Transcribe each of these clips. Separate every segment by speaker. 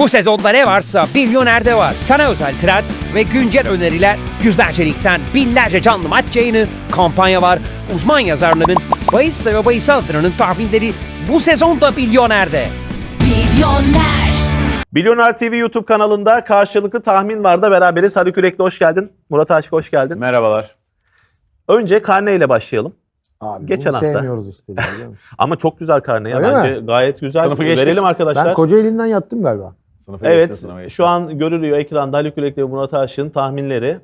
Speaker 1: Bu sezonda ne varsa Milyoner'de var. Sana özel trend ve güncel öneriler, yüzlerce ligden binlerce canlı maç yayını, kampanya var. Uzman yazarların, bahis ve bahis altınının tahminleri bu sezonda Milyoner'de.
Speaker 2: Milyoner.
Speaker 3: Milyoner TV YouTube kanalında karşılıklı tahmin var da beraberiz. Haluk Yürekli hoş geldin. Murat Aşık hoş geldin.
Speaker 4: Merhabalar.
Speaker 3: Önce karneyle başlayalım.
Speaker 5: Abi
Speaker 3: Geçen
Speaker 5: bunu
Speaker 3: hafta.
Speaker 5: sevmiyoruz işte. Biliyor musun?
Speaker 3: Ama çok güzel karne ya.
Speaker 5: Öyle
Speaker 3: Bence
Speaker 5: mi?
Speaker 3: gayet güzel.
Speaker 4: Sınıfı geçtik.
Speaker 3: Verelim arkadaşlar.
Speaker 5: Ben Kocaeli'nden yattım galiba.
Speaker 4: Sınıfa geçtin, sınıfa
Speaker 3: Evet,
Speaker 4: geçtin.
Speaker 3: şu an görülüyor ekranda Haluk Yürekli ve Murat Aşık'ın tahminleri.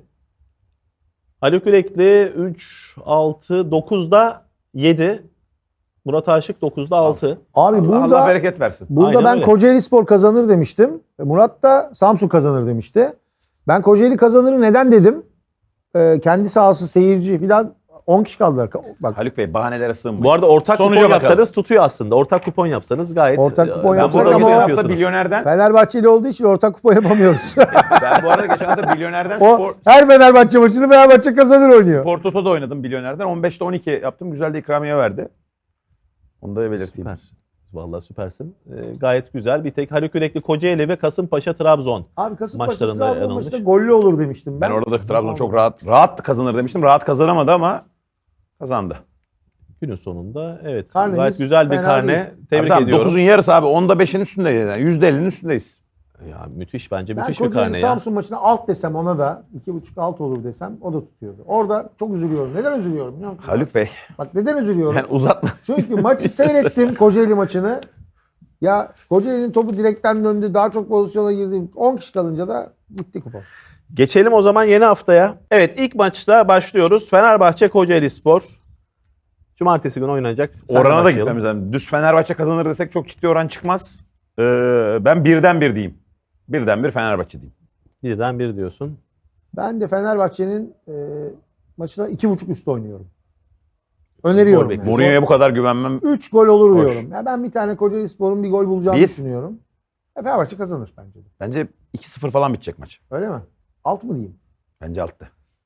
Speaker 3: Haluk Yürekli 3, 6, 9'da 7. Murat Aşık 9'da 6.
Speaker 5: Abi
Speaker 4: Allah
Speaker 5: burada
Speaker 4: bereket versin.
Speaker 5: burada
Speaker 3: Aynen
Speaker 5: ben
Speaker 3: öyle.
Speaker 5: Kocaeli Spor kazanır demiştim. Murat da Samsun kazanır demişti. Ben Kocaeli kazanır neden dedim? Kendi sahası seyirci falan 10 kişi kaldılar. Bak
Speaker 4: Haluk Bey bahanelere sığınmayın.
Speaker 3: Bu arada ortak
Speaker 4: Sonuca
Speaker 3: kupon
Speaker 4: bakalım.
Speaker 3: yapsanız tutuyor aslında. Ortak kupon yapsanız gayet.
Speaker 5: Ortak kupon
Speaker 3: ben
Speaker 5: yapsak
Speaker 3: burada
Speaker 5: ama
Speaker 3: gibi
Speaker 5: o
Speaker 4: hafta
Speaker 3: yapıyorsunuz.
Speaker 4: milyonerden
Speaker 5: Fenerbahçeli olduğu için ortak kupa yapamıyoruz.
Speaker 4: ben bu arada geçen hafta milyonerden
Speaker 5: O her Fenerbahçe maçını Fenerbahçe kazanır oynuyor.
Speaker 4: Spor Toto'da oynadım milyonerden. 15'te 12 yaptım. Güzel de ikramiye verdi. Onu da belirteyim.
Speaker 3: Süper. Vallahi süpersin. Gayet güzel. Bir tek Haluk Yürekli Kocaeli ve Kasımpaşa Trabzon.
Speaker 5: Abi Kasımpaşa
Speaker 3: Maçlarında
Speaker 5: Trabzon
Speaker 3: yanılmış.
Speaker 5: maçında gollü olur demiştim ben.
Speaker 4: Ben orada da Trabzon çok rahat kazanır demiştim. Rahat kazanamadı ama kazandı.
Speaker 3: Günün sonunda evet.
Speaker 5: Karnemiz
Speaker 3: gayet güzel bir
Speaker 5: fena
Speaker 3: karne.
Speaker 5: değil.
Speaker 3: Tebrik
Speaker 4: Abi
Speaker 3: ediyorum.
Speaker 4: 9'un yarısı abi. 10'da 5'in üstündeyiz. Yani %50'nin üstündeyiz.
Speaker 3: Ya müthiş bence
Speaker 5: Ben
Speaker 3: müthiş bir
Speaker 5: Kocaeli
Speaker 3: karne ya.
Speaker 5: Samsun maçına alt desem ona da 2.5 alt olur desem o da tutuyordu. Orada çok üzülüyorum. Neden üzülüyorum biliyor musun?
Speaker 4: Haluk Bey.
Speaker 5: Bak neden üzülüyorum?
Speaker 4: Yani uzatma.
Speaker 5: Çünkü maçı seyrettim Kocaeli maçını. Ya Kocaeli'nin topu direkten döndü. Daha çok pozisyona girdi. 10 kişi kalınca da gitti kupa.
Speaker 3: Geçelim o zaman yeni haftaya. Evet ilk maçta başlıyoruz. Fenerbahçe Kocaeli Spor. Cumartesi günü oynanacak. Senle
Speaker 4: Orana da
Speaker 3: başlayalım.
Speaker 4: gitmemiz lazım. Düz Fenerbahçe kazanır desek çok ciddi oran çıkmaz. Ben birden bir diyeyim. Birden bir Fenerbahçe diyeyim.
Speaker 3: Birden bir diyorsun.
Speaker 5: Ben de Fenerbahçe'nin maçına 2.5 üst oynuyorum. Öneriyorum.
Speaker 3: Gol
Speaker 5: Yani.
Speaker 4: Mourinho'ya bu kadar güvenmem.
Speaker 5: 3 gol olur
Speaker 4: Hoş.
Speaker 5: diyorum. Ya ben bir tane Kocaeli Spor'un bir gol bulacağını
Speaker 4: Bir.
Speaker 5: düşünüyorum. Fenerbahçe kazanır bence de.
Speaker 4: Bence 2-0 falan bitecek maç.
Speaker 5: Öyle mi? Alt mı diyeyim?
Speaker 4: Bence altta.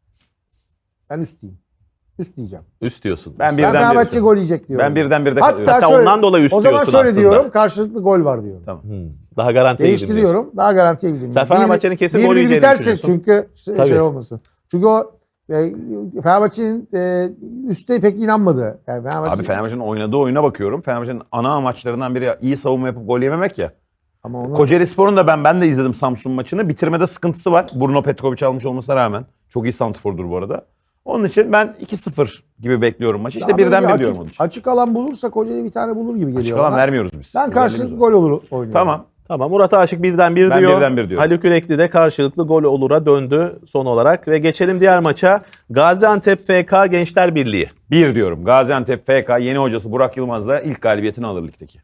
Speaker 5: Ben üst diyeyim. Üst diyeceğim.
Speaker 3: Üst diyorsun.
Speaker 4: Ben
Speaker 5: Ben
Speaker 4: birden bir
Speaker 5: Fenerbahçe
Speaker 4: diyorum.
Speaker 5: gol yiyecek diyorum.
Speaker 4: Ben birden birde
Speaker 5: Hatta
Speaker 4: kalıyorum.
Speaker 3: Sen
Speaker 5: şöyle-
Speaker 3: ondan dolayı üst
Speaker 5: O zaman
Speaker 3: diyorsun
Speaker 5: şöyle
Speaker 3: aslında.
Speaker 5: diyorum. Karşılıklı gol var diyorum.
Speaker 4: Tamam.
Speaker 3: Daha garantiye gidin diyorsun.
Speaker 5: Değiştiriyorum. Daha garantiye gideyim.
Speaker 3: Sen Fenerbahçe'nin kesin gol
Speaker 5: 1-1
Speaker 3: yiyeceğini
Speaker 5: biterse
Speaker 3: düşünüyorsun.
Speaker 5: çünkü
Speaker 3: Tabii.
Speaker 5: şey olmasın. Çünkü o Fenerbahçe'nin üstte pek inanmadı. Yani
Speaker 4: Abi Fenerbahçe'nin oynadığı oyuna bakıyorum. Fenerbahçe'nin ana amaçlarından biri iyi savunma yapıp gol yememek ya.
Speaker 5: ama onu
Speaker 4: Kocaeli Spor'un da ben de izledim Samsun maçını. Bitirmede sıkıntısı var. Bruno Petkovic almış olmasına rağmen. Çok iyi santrfordur bu arada. Onun için ben 2-0 gibi bekliyorum maçı. İşte
Speaker 5: daha böyle
Speaker 4: birden bir
Speaker 5: açık,
Speaker 4: diyorum onun için.
Speaker 5: açık alan bulursa Kocaeli bir tane bulur gibi geliyor.
Speaker 4: Açık alan
Speaker 5: bana.
Speaker 4: vermiyoruz biz.
Speaker 5: Ben
Speaker 4: Özelliğimiz
Speaker 5: karşılıklı
Speaker 4: o.
Speaker 5: gol olur oynuyorum.
Speaker 4: Tamam.
Speaker 3: Tamam Murat Aşık birden bir
Speaker 4: Ben
Speaker 3: diyor.
Speaker 4: birden bir diyorum.
Speaker 3: Haluk Yürekli de karşılıklı gol olura döndü son olarak. Ve geçelim diğer maça. Gaziantep FK Gençler Birliği.
Speaker 4: 1 diyorum. Gaziantep FK yeni hocası Burak Yılmaz'la ilk galibiyetini alır ligdeki.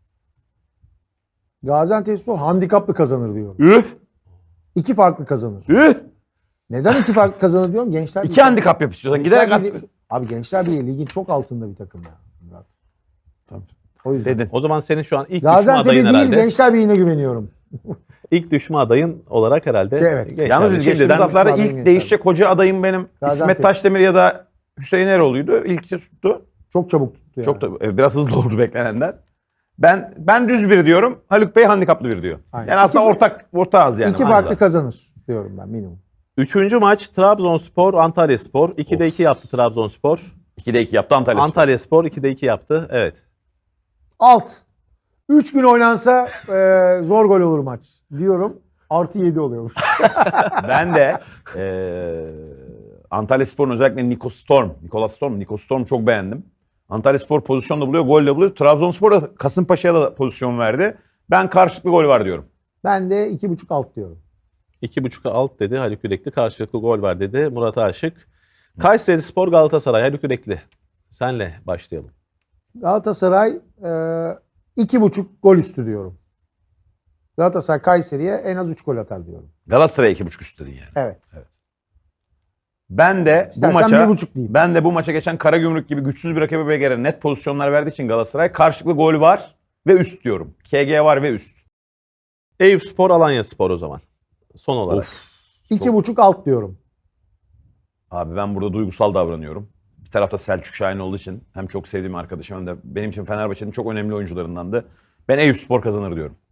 Speaker 5: Gaziantep Spor handikaplı kazanır diyorum.
Speaker 4: Üh!
Speaker 5: 2 farklı kazanır.
Speaker 4: Üh!
Speaker 5: Neden 2 farklı kazanır diyorum? Gençler
Speaker 4: 2 handikap yap istiyorsan. Giderek
Speaker 5: Gençler
Speaker 4: at.
Speaker 5: Birliği- Abi Gençler Birliği ligin çok altında bir takım ya. Murat.
Speaker 4: Tamam.
Speaker 5: O yüzden.
Speaker 4: Dedin.
Speaker 3: O zaman senin şu an ilk düşme
Speaker 5: Gaziantep'e
Speaker 3: adayın
Speaker 5: değil
Speaker 3: herhalde.
Speaker 5: Gençler Birliği'ne güveniyorum.
Speaker 3: İlk düşme adayın olarak herhalde.
Speaker 5: Evet.
Speaker 3: Gençler
Speaker 4: Yalnız biz
Speaker 3: Birliği.
Speaker 4: geçtiğimiz
Speaker 3: Şimdiden
Speaker 4: haftalarda
Speaker 5: düşman
Speaker 4: ilk
Speaker 5: adayım
Speaker 4: değişecek hoca adayım benim
Speaker 5: Gaziantep.
Speaker 4: İsmet Taşdemir ya da Hüseyin Eroğlu'ydu. İlk tuttu.
Speaker 5: Çok çabuk tuttu yani.
Speaker 4: Çok da biraz hızlı oldu beklenenden. Ben düz bir diyorum. Haluk Bey handikaplı bir diyor.
Speaker 5: Aynen.
Speaker 4: Yani aslında ortağız yani.
Speaker 5: 2 farklı kazanır diyorum ben minimum.
Speaker 3: Üçüncü maç Trabzonspor Antalyaspor. 2'de 2 yaptı Trabzonspor.
Speaker 4: 2'de 2 yaptı Antalya.
Speaker 3: Antalyaspor 2'de 2 yaptı. Evet.
Speaker 5: Alt. 3 gün oynansa zor gol olur maç diyorum. Artı 7 oluyormuş.
Speaker 4: Ben de Antalyaspor'un özellikle Nico Storm çok beğendim. Antalyaspor pozisyonda buluyor, golle buluyor. Trabzonspor da Kasımpaşa'ya da pozisyon verdi. Ben karşılıklı gol var diyorum.
Speaker 5: Ben de 2.5 alt diyorum.
Speaker 3: 2.5'a alt dedi Haluk Yürekli. Karşılıklı gol var dedi Murat Aşık. Kayserispor Galatasaray Haluk Yürekli. Senle başlayalım.
Speaker 5: Galatasaray 2.5 gol üstü diyorum. Galatasaray Kayseri'ye en az 3 gol atar diyorum.
Speaker 4: Galatasaray'a 2.5 üst dedin yani.
Speaker 5: Evet.
Speaker 4: Ben de
Speaker 5: İstersen 1.5 diyeyim.
Speaker 4: Ben de bu maça geçen Karagümrük gibi güçsüz bir rakibe göre net pozisyonlar verdiği için Galatasaray karşılıklı gol var ve üst diyorum. KG var ve üst.
Speaker 3: Eyüpspor Alanyaspor o zaman. Son olarak.
Speaker 5: 2.5 alt diyorum.
Speaker 4: Abi ben burada duygusal davranıyorum. Bir tarafta Selçuk Şahin olduğu için hem çok sevdiğim arkadaşım hem de benim için Fenerbahçe'nin çok önemli oyuncularındandı. Ben Eyüpspor kazanır diyorum.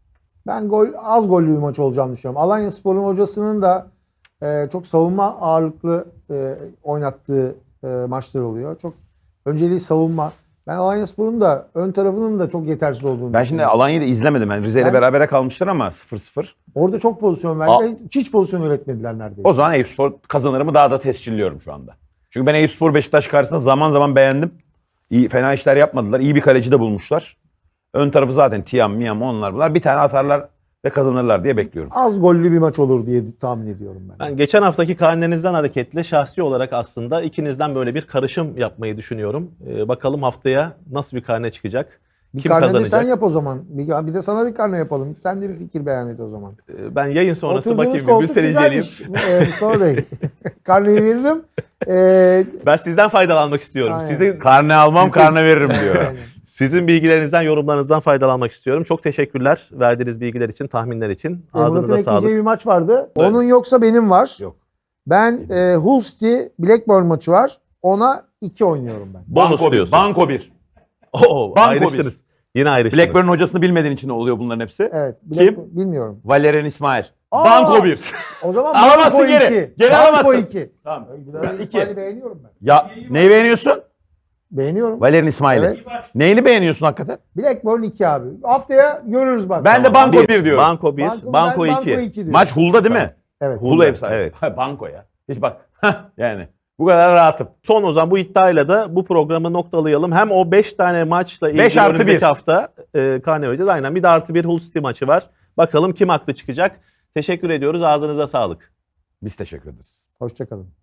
Speaker 5: Ben az gollü bir maç olacağını düşünüyorum. Alanyaspor'un hocasının da çok savunma ağırlıklı oynattığı maçlar oluyor. Çok önceliği savunma. Ben Alanyaspor'un da ön tarafının da çok yetersiz olduğunu
Speaker 4: Ben şimdi
Speaker 5: düşünüyorum.
Speaker 4: Alanya'yı da izlemedim. Yani Rize ile
Speaker 5: Ben-
Speaker 4: berabere kalmışlar ama 0-0.
Speaker 5: Orada çok pozisyon verdiler. Hiç pozisyon üretmediler neredeyse.
Speaker 4: O zaman Eyüpspor kazanırımı daha da tescilliyorum şu anda. Çünkü ben Eyüpspor Beşiktaş karşısında zaman zaman beğendim. İyi, fena işler yapmadılar. İyi bir kaleci de bulmuşlar. Ön tarafı zaten Tiam, Miam onlar bunlar. Bir tane atarlar ve kazanırlar diye bekliyorum.
Speaker 5: Az gollü bir maç olur diye tahmin ediyorum ben.
Speaker 3: Ben geçen haftaki karnenizden hareketle şahsi olarak aslında ikinizden böyle bir karışım yapmayı düşünüyorum. Bakalım haftaya nasıl bir karne çıkacak?
Speaker 5: Bir
Speaker 3: Kim
Speaker 5: karne de
Speaker 3: kazanacak?
Speaker 5: sen yap o zaman. Bir de sana bir karne yapalım. Sen de bir fikir beyan et o zaman.
Speaker 3: Ben yayın sonrası
Speaker 5: Oturduğunuz
Speaker 3: bakayım bir
Speaker 5: koltuk
Speaker 3: bülten inceleyeyim.
Speaker 5: güzelmiş, Mustafa Bey. Karneyi veririm.
Speaker 3: Ben sizden faydalanmak istiyorum.
Speaker 5: Aynen.
Speaker 3: Sizin
Speaker 4: Karne almam, karne veririm diyor.
Speaker 5: Aynen.
Speaker 3: Sizin bilgilerinizden, yorumlarınızdan faydalanmak istiyorum. Çok teşekkürler verdiğiniz bilgiler için, tahminler için.
Speaker 5: Murat'ın
Speaker 3: Ağzınıza sağlık.
Speaker 5: ekleyeceği bir maç vardı.
Speaker 3: Evet.
Speaker 5: Onun yoksa benim var.
Speaker 4: Yok.
Speaker 5: Ben Hull City Blackburn maçı var. Ona 2 oynuyorum ben.
Speaker 3: Bonus
Speaker 4: Banko
Speaker 3: diyorsun.
Speaker 4: Banko 1.
Speaker 3: Oo,
Speaker 4: Banko
Speaker 3: ayrıştınız. Yine ayrıştınız.
Speaker 4: Blackburn'un hocasını bilmediğin için oluyor bunların hepsi.
Speaker 5: Evet.
Speaker 4: Kim?
Speaker 5: Bilmiyorum.
Speaker 4: Valerian İsmail.
Speaker 5: Aa!
Speaker 4: Banko 1.
Speaker 5: O zaman
Speaker 4: Alamazsın
Speaker 5: Banko
Speaker 4: geri.
Speaker 5: 2.
Speaker 4: Geri
Speaker 5: Banko
Speaker 4: alamazsın.
Speaker 5: 2.
Speaker 4: Tamam.
Speaker 5: Valerian
Speaker 4: İki.
Speaker 5: İsmail'i beğeniyorum ben.
Speaker 4: Ya neyi beğeniyorsun?
Speaker 5: Beğeniyorum.
Speaker 4: Valerian İsmail'i.
Speaker 5: Evet.
Speaker 4: Neyini beğeniyorsun hakikaten?
Speaker 5: Blackburn 2 abi. Haftaya görürüz bak.
Speaker 4: Ben de
Speaker 5: Tamam.
Speaker 4: Banko 1 diyorum.
Speaker 3: Banko 1,
Speaker 5: Ben
Speaker 3: Banko
Speaker 5: Banko
Speaker 3: 2.
Speaker 5: 2 diyorum.
Speaker 4: Maç Hull'da değil mi?
Speaker 5: Evet.
Speaker 4: Hull ev sahibi.
Speaker 3: Evet.
Speaker 4: Ha, Banko ya. Hiç bak. Yani bu kadar rahatım.
Speaker 3: Son o zaman bu iddiayla da bu programı noktalayalım. Hem o 5 tane maçla ilgili
Speaker 4: 5 artı
Speaker 3: önümüzdeki
Speaker 4: 1.
Speaker 3: hafta karne vereceğiz. Aynen bir de artı bir Hull City maçı var. Bakalım kim haklı çıkacak. Teşekkür ediyoruz. Ağzınıza sağlık.
Speaker 4: Biz teşekkür ederiz.
Speaker 5: Hoşçakalın.